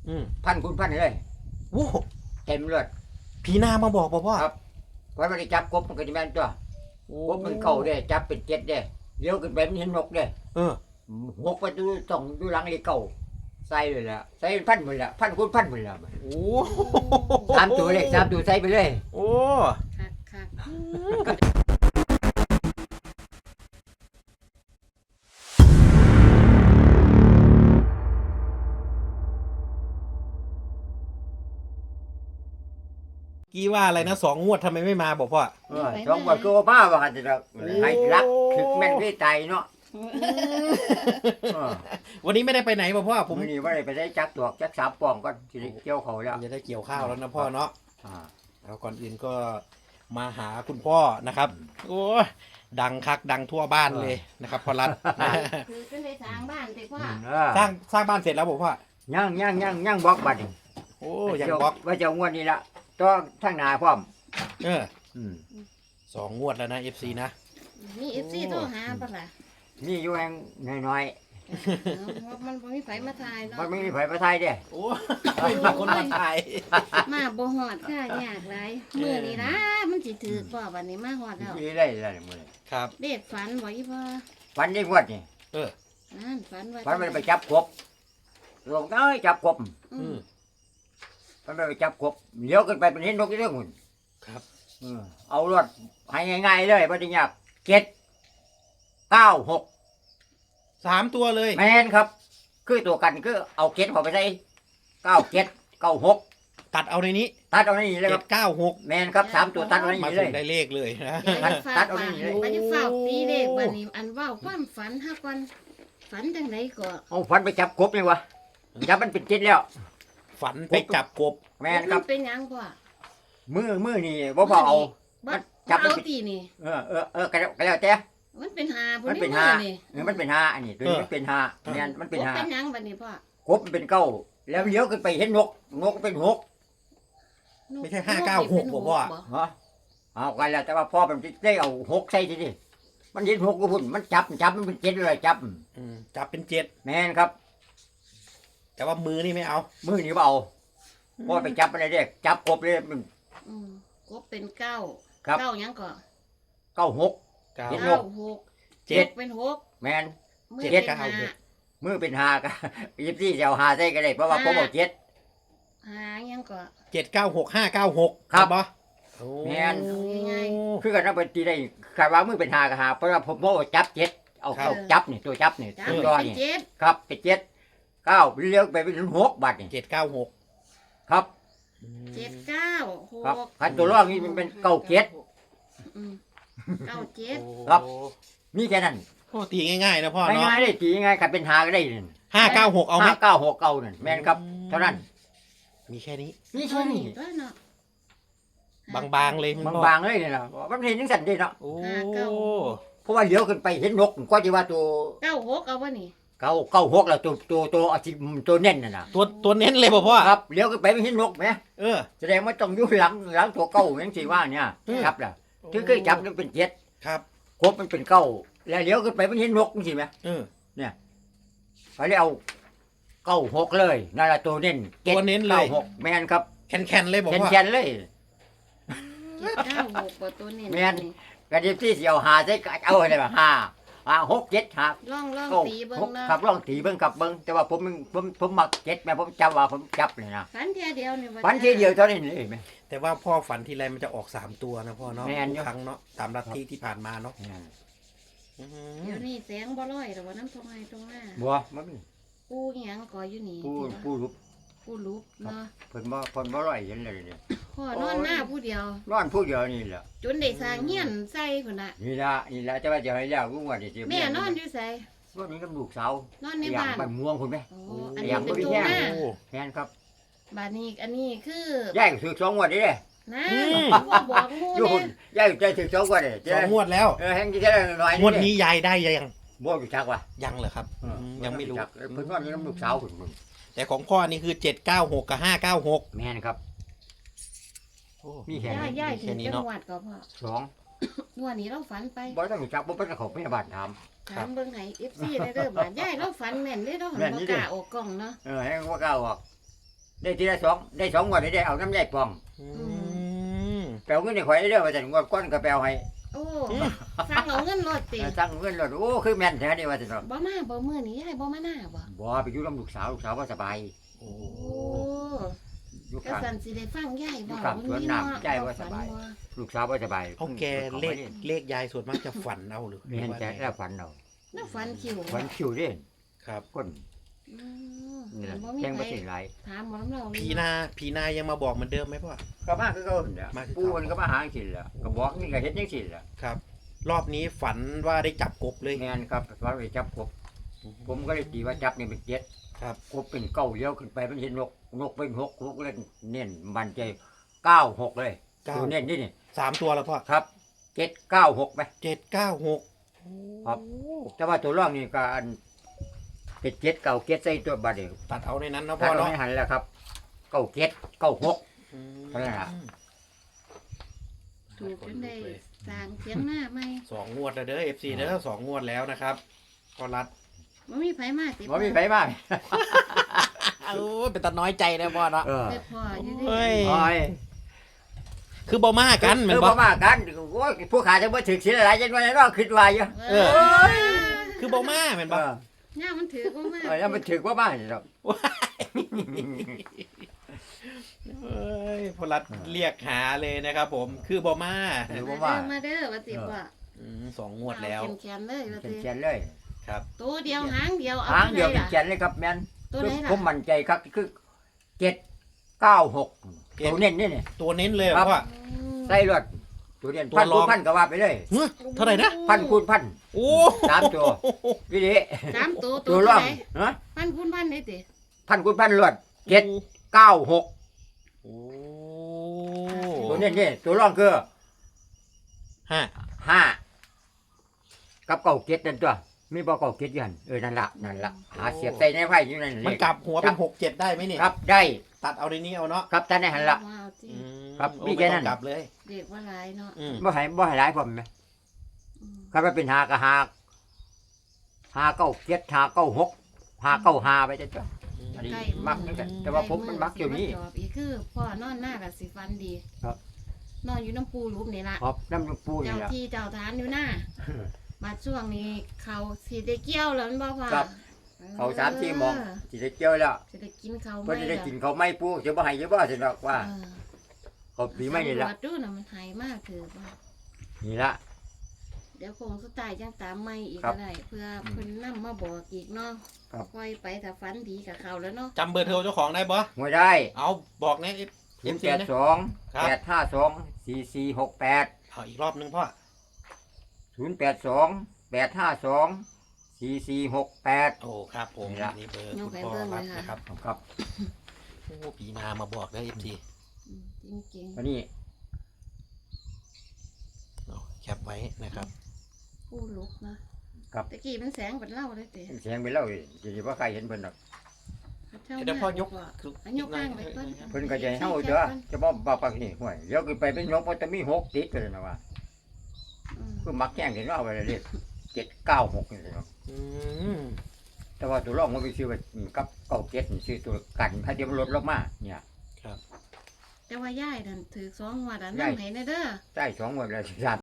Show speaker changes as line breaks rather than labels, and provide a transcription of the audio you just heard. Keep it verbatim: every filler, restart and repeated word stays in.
พันคุณพันเลย
โอ้
เต็มเลือด
ผีนามาบอกพ่อ
ครับวันมันได้จับกบมันก็จะแม่นตัวกบมันเก่าได้จับเป็นเจ็ดได้เลี้ยวขึ้นไปมันเห็นนกได้
เออ
หกไปดูต้องดูหลังเลยเก่าใส่เลยละใส่พันหมดละพันคุณพันหมดละ
โอ้
สามตัวเลยสามตัวใส่ไปเลย
โอ้
คักคัก
กี้ว่าอะไรนะสองงวดทำไมไม่มาบอกพ่อ
เออสองวันก็ว่ามาว่าจะให้รักถึงแม่นที่ใจเนาะ
วันนี้ไม่ได้ไปไหนบอกพ่อผ
ผม มนี่ว่าได้ไปได้จักตัวจักสามปองก็สิได้เกี่ยวเขาแล้ว
จะได้เกี่ยวข้าวแล้วนะพ่อเนาะ
อ่า
แล้วก่อนอื่นก็มาหาคุณพ่อนะครับโอ้ยดังคักดังทั่วบ้านเลยนะครับพ่อรัฐ
คือเป็นได้สร้างบ้านแต่ว่า
เออ
สร้างสร้างบ้านเสร็จแล้วบอกพ่อย่าง
ย่างย่างย่างบล็อกบัดนี่
โอ้ยังบล็อก
ว่าจะงวดนี้ละต้องทั้งหนาพร้อม
เออ
อืม
สองงวดแล้วนะเอฟซีนะ
มีเอฟซีโทรหาปะล่ะ
นี่อยู่แห่งน้อย
เอามันบ่มีไฟมาถ่าย
ๆ
เนาะ
มันไม่มีไผประไทยเด้
โอ้ไม่มีคนมาถ่าย
มาบ่ฮอดค่ะยากหลายมื้อนี้นะมันสิถือบ่บัดนี้มาฮอดแล้ว
มีได้แล้วนี่มื้อนี้
ครับ
เด็กฝันบ่อีพ่อ
ฝันได้งวดนี่
เออ
นั่นฝันว่า
ฝันมันไปจับกบลงน้อยจับกบ
อื
อื
ม
ม
ฝันมันไปจับกบเลี้ยวขึ้นไปเป็นเห็นนกอีกเรื่องหุ่น
ครับ
เออเอารถให้ง่ายๆเลยบ่ได้ยากเจ็ดเก้าหก
สามตัวเลย
แมนครับ คือตัวกันคือเอาเจ็ดเข้าไปใส่เก้าเจ็ดเก้าหก
ตัดเอาในนี้
ตัดเอาในนี้เลยค
เจ็
รั
ด
บ
เก้าหก
แมนครับสามตัวตัดเอาใน
มา
นี้เล
ถึ
ย
งได้เลขเลยนะ
อย่าได้ฟ้า
ตัดเอา
ปา
นี่เลย
บ่ได้ฟ้าตีเลขบัดนี้อันเว้าความฝันหาก่อนฝันจังไดก็
เอาฝันไปจับกบเลยวะจับมันเป็นเจ็ดแล้ว
ฝันไปจับกบ
แมนครับ
มันเป็นหยังพ่อ
มือมือนี่บ่พอเอา
บ่
มันจับมัน
เอา
สิ
ตีนี่
เออเออเออก็แล้วก็แล้วแต่
มันเป็นหาพุ่
มัน
น
เป็น
นี่
ห้า
นี่
เออมันเป็นห้าอันนี้ตัวนี้มันเป็นห้าแมนมันเป็นห้า
เป็นหยังบัดนี้พ่อก
บมันเป็นเก้าแล้วเลี้ยวขึ้นไปเห็นนกนกเป็นหก
ไม่ใช่ห้าเก้าหกบอกว่า
ฮะเอากันแล้วแต่ว่าพ่อมันได้เอาหกใส่ทีดิมันเห็นหกก็พุ่นมันจับจับมันเป็นเจ็ดเลยจับ
อืมจับเป็นเจ็ด
แมนครับ
แต่ว่ามือนี่ไม่เอา
มือนี่บ่เอาพ่อไปจับอะไรเด็กจับกบเลยมัน
อืมกบเป็นเก้า
ครับ
เก้าหยังก็
เก้าหก
เก้า
เจ็ด
เก้าหก
เจ็ด
กบเป็นหก
แมน
มือ
เจ็ด
เป็น
เก้า
ห้า
หก
มือเป็นหาก็ ยิบซี่จะเอาหาใส่ก็ได้เพราะว่าผมเอาเจ็ด
หาหยังก็
เจ็ดเก้าหกห้าเก้าหก
ครับ
ปะ
แม่น
เอาง่าย
คือกันนับเป็นตีได้คาดว่ามือเป็นหาก็หาเพราะว่าผมเอาจับเจ็ดเอาเอาจับนี่ตัวจับนี่
จ้า
ตัว
เป็น
ยอนี่
เจ็ด
ครับเป็นเจ็ดเก้าเลี้ยวไปเป็นหกบาทนี่
เจ็ดเก้าหก
ครับ
เจ็ดเก้าห
ครับ
ก
คันตัวรองนี่มันเป็นเก้าเจ็ด
อืมเก้าเจ็ด
ครับ มีแค่นั้น
โอ้ตีง่ายๆนะพ่อเนาะ
ง่ายๆได้ตีง่ายๆคันเป็นหาก็ได้นั่น
ห้าเก้าหกเอาไหม
ห้าเก้าหกเก้านั่นแม่นครับเท่านั้น
มีแค่นี้
นี่แค่นี้
ตัวเนาะ
บางๆเลยคุณพ่อบ
างๆเลยนี่นะมันเห็นจังสันเด้เนาะ
โอ้
เพราะว่าเลี้ยวขึ้นไปเห็นนกก็จะว่าตัว
เก้าหกเอาวะนี่
เก้าเก้าหกแล้วตัวตัวตัวอาทิตัวเน่นน่ะนะ
ตัวตัวเน้นเลยป่ะพ่อ
ครับเลี้ยวขึ้นไปไม่เห็นนกไหม
เออ
แสดงว่าต้องอยู่หลังหลังตัวเก้าอย่างที่ว่าเนี่ย
อืม
ครับล่ะถึงเคยจับมันเป็นเจ็ด
ครับ
ครบมันเป็นเก้าแล้วเลี้ยวขึ้นไปไม่เห็นนกจริงไหม
เออ
เขาเรียกเอาเก้าหกเลยนั่นแหละตัวเน่นจ็ด
ตัวเน้นเลย
ก้าหกแมนครับ
แคนๆเลยบอก
แขน
ว่า
แขนๆเลย
เจ็ดเก้าหกบ่ตัวนี้
แม่น กระดิบที่เสียวหาใส่กะเอาอะไรแบบห้าห้าหกเจ็ดห้า
ล่องล่อง
เก้า
ตีเบิ่
ห
ง
ก
เนาะ
ครับลองตีเบิ้งครับเบิ้งแต่ว่าผมผมผมมักเจ็ดแม่ผมจำว่าผมจับเลยนะ
ฝันเทียเดียวนี่
ฝันทีเดียวเท่านั้นเลยแม่
แต่ว่าพ่อฝันทีไรมันจะออกสามตัวนะพ่อเนาะ
แม่นอยู่
ทุกครั้งเนาะตามลัทธิที่ผ่านมาเนาะ
นั่น
อื
เดี๋ยว
ม
นี้แสงบ่ร้อยแต่ว่าน้ำตรงไหนตรงหน้า
บัวมัน
ปูหยังก่ออยู่นี่
ผู้ผู้รู้
ปูลุกเนาะ
เพิ่นบ่เพิ่นบ่ร่อยเห็นเลยเนี่ย
พ่อนอนหน้าผู้เดียว
นอนผู้เดียวนี่แหละ
จนได้สร้างเฮียนใส่พุ่นน่ะ
นี่ละนี่ละจะว่าจะให้แล้วกูว่าจะ
แม่นอนอยู่ไส
วันนี้กับลูกสาวน
อนใน
อย่าง
บ้าน
บ้านม่วงคุณแม่
โอ้อัน
อ
นี้
ย่าง
เป็น
บ่มี
ตรง
แห้ง
หน้า
โอ้
แม่นครับ
บ้านนี้อันนี้คือย
ายก็ถือสองงวดนี่เด้
นะ
อืม
ว่าบอกงู
อยู่
เนี่
หุ่นยายใจถือสองงวดเด้
สองงวดแล้ว
เออแห้งที่แค่น้อย
งวดนี้ยายได้ยัง
บ่อยู่จักว่ะ
ยังเหรอครับ
เออ
มยังไม่รู้
จักเพิ่นนอนอยู่น้ำลูกสาวเพิ่นเพิ่น
แต่ของพ่อนี่คือเจ็ดเก้าหกกับห้าเก้าหก
แม่นครับ มีแค่
ย่า
นี้
ย่ายถึ
แค่
ง
นี้
จัง
เนาะ
หวัดก็พ่อ
สอง
งวดนี้เราฝันไป
บ่ต้องรู้จักบ่เป็นเจ้าของพยาบาลถาม
ถามเบิ่งให้ เอฟ ซี ได้เด้อบาดย่ายเราฝันแม่นเด้เราหัน
แม่น
บ่
นี่
ก
เด้
ล้าออกกล้องเนาะ
เออแห้งบ่กล้าออกได้ทีละสองได้สองงวดได้เอาน้ำใยปอง
อืม
แปลเงินในข่อยเด้อว่าซั่นงวดก้อนก็แปลให้
โอ้สั่งเอาเงินรถติ
ตั้งเงินรถโอ้คือแม่นแท้นี่ว่าซั่นเนาะ
บ่มาบ่มื้อนี้ยายบ่มาหน้าบ่
บ่ไปอยู่กับลูกสาวลูกสาวบ่สบาย
โอ้
โอ้
อยู่
ก็
ข้าง
สั่นสิได้ฟังยายบ่
ครับสวนน้ำยายว่าสบาย ลูกสาวบ่สบาย
เอาแกเลขเลขยายส่วนมากจะฝันเอาหรือ
แม่นแท้แล้วฝันเอา
แล้วฟันคิว
ฝันคิวเด้
ครับ
คน
อืม
นี่แหละ
บ่มี
แจ้ง
ใค
บ่
ร
สิหลาย
ถามบ่นำเรา
ผีนาผีนายังมาบอกเหมือนเดิมไหมพ่อ
ก็มาคือเก่าหั่นแหละ
มาคือเก่า
ปู่มันก็มาหาจังซี่แหละก็บอกนี่ก็เฮ็ดจังซี่แหละ
ครับ รอบนี้ฝันว่าได้จับกบเลย
แม่นครับว่าไปจับกบผมก็เลยตีว่าจับนี่เป็นเจ็ด
ครับ
กบเป็นเก้าเลี้ยวขึ้นไปมันเห็นนกนกเป็นหกนกเล่นเน้นมันใจเก้าหกเลย
เก้า
ตัวเน้นนี่นี่
สามตัวแล้วพ่อ
ครับเจ็ดเก้าหกไหม
เจ็ดเก้าหก
ครับ แต่ว่าตัวร่องนี่ก็อันเป็นเจ็ดเก้าเจ็ดใส่ตัวบาดเดียว
ตัดเอาในนั้นนะ
ถ้า
พ่อ
เรา
เนาะ
ไม่หันแล้วครับเก้าเจ็ดเก้าหก
อืม
เท่านั้นล่ะ
ถูกจนได้สร้างเสียงหน้าใหม่
สองงวดแล้วเด้อเอฟซีเด้อสองงวดแล้วนะครับก็รัด
บ่มีไผมาติ
ว่ามีไฟมาก
โอ้เป็นตาน้อยใจนะพ่อเนาะ
เออ
ไปพ่ออยู่
เฮ้
ดิ
ย
โอ้ย
คือบ่มากันเหมือน
เออ
บ่
บ่มากันโอ้ยผู้ขาจะมาถึงสิอะไรจังว่าเนาะคิดว่าอยู่
เออ คือบ่มาเหมือน
เอ
บ่
อ
เนี่ยมันถือบ่มา
เออแล้วมันถึงว่ามาสิครับ
เอ้ยพอรัดเรียกหาเลยนะครับ ผมคือบ่มา
หรือ
มา
ว่า
เด้
มา
อมาเด้อว่าติบ่
อืมสองงวดแล้ว
เขียนๆเลยว่า
เป็น
ติ
เขียนเลย
ครับ
ตัวเดียวหางเดียวเอา
หางเดียว
ที่
เป็น
ไหน
เขียนเลยครับแม่น
ตัวไหน
ผม
ล่ะ
มั่นใจครับคือเจ็ดเก้าหก
เจ็ด
ตัวเน้นนี่นี่
ตัวเน้นเลยเหรอ
ครับ
พ่อ
อืม
ใส่รถตัวเน้น
ตัว
พัน
ร
คู
อง
ณพันก็ว่าไปเลย
เฮ้ยเท่าไหร่นะ
พันคูณพัน
โอ้
สามตัว วิธี
สามตัวตั
ตัว ว
เท่า
ร่อง
ไหน
ฮะ
พันคูณพันได้ติ
พันคูณพันรวดเจ็ดเก้าหก
โอ้
ตัวเน้นนี่ตัวร่องคือ
ห้า
ห้ากับเก้าเจ็ดนั่นตัวมีบ่เก้าเจ็ดอยันเออนั่นละนั่นละหาเสียบใส่ในไพ่อยู่นั่น
มันกลับหัวเป็นหกเจ็ดได้ไหมเนี่ย
ครับได้
ตัดเอาในนี้เอาเนาะ
ครับท่านได้หันละ
ว้าวจิ
อืม
ครับ
โอ้
มี
ไม่
แค่
ต้
นั้
อง
น
กลับเลย
เด็กว่าหลายเนาะ
อืม
บ่ให้บ่ให้หลายผมไหม
อืม
ครับว่าเป็นหาก็หาหาเก้าเจ็ดหาเก้าหกหาเก้าหาไปจ้ะจ้ะ อันนี้มักนั่นแหละแต่ว่าผมมันมักอยู่นี่
ใกล้มื้อสิมาจอบอีกคือพ่อนอนหน้ากับสิฟันดี
ครับ
นอนอยู่น้ำปูหลุมนี่ละ
ครับน้ำหลวงปู่นี่
เจ้า
แหละ
ที่เจ้าทานอยู่หน้ามาช่วงนี้เขาสิได้เกี่ยวแล้วแมันบ่ว่า
ครับ เขาสามที่หมองสิได้เจียวแล้ว
สิได้กินเขา
เพิ่นสิได้กินเขาวไม่ปู่จะบ่ให้จะบ่สิดอกว่า
เออ
เขาปีไม่นี่ละ
สำรวจดูน่ะมันหายมากคือว่า
นี่ละ
เดี๋ยวคงสุดท้ายจังตามไม่อีก
ครั
ก็
บ
ได้เพื่อเพิ่นนำมาบอกอีกเนาะ
ครับ
ปล่อยไปถ้าฝันดีกับเขาแล้วเนาะ
จำเบอร์โทรเจ้าของได้ปะ
หวยได้
เอาบอกในเอ
ศูน
ฟ
ย์
ซี
แปด
นะ
สอง
ครับ
แปดห้าสองสี่สี่หกแปด
เอาอีกรอบนึงพ่อ
ศูนย์แปดสองแปดห้าสองสี่สี่หกแปด
โอ้ครับผม
นี่ละ
นี่เบอร์คุณพ่อรัดนะครับ
ครับ
โอ้ปีนามาบอกได้เอฟซี
อืมจริง
อันนี้
แคปไว้นะครับ
ๆผู้ลุกนะครับ ตะกี้มันแสงเป็นเหล่าเลยเตะ
เสียงไปแล้วจะสิบ่ใครเห็นเพิ่นดอก
เดี๋ยวพ่อยก
อันยกข้างไปก่อน
เพิ่นก็จะให้เฮาเด้อจะบ่บ่ปากนี่ห่วยเดี๋ยวขึ้นไปเป็นยกบ่จะมีหกติดกันนะว่า
อืม
คือมักแจ้งเห็นว่าเอาไปเลยเรียกเจ็ดเก้าหกนี่เนาะ
อืม
แต่ว่าตัวรองมันไปซื้อไปกับเก้าเจ็ดนี่ซื้อตัวกันถ้าเดี๋ยวมันลดลงมาเนี่ย
แต่ว่าย่ายนั่นถือสองหัวดอัน
ย้าย
นั่งไหนเด้อ
ใต้สองหมดแล้วสาม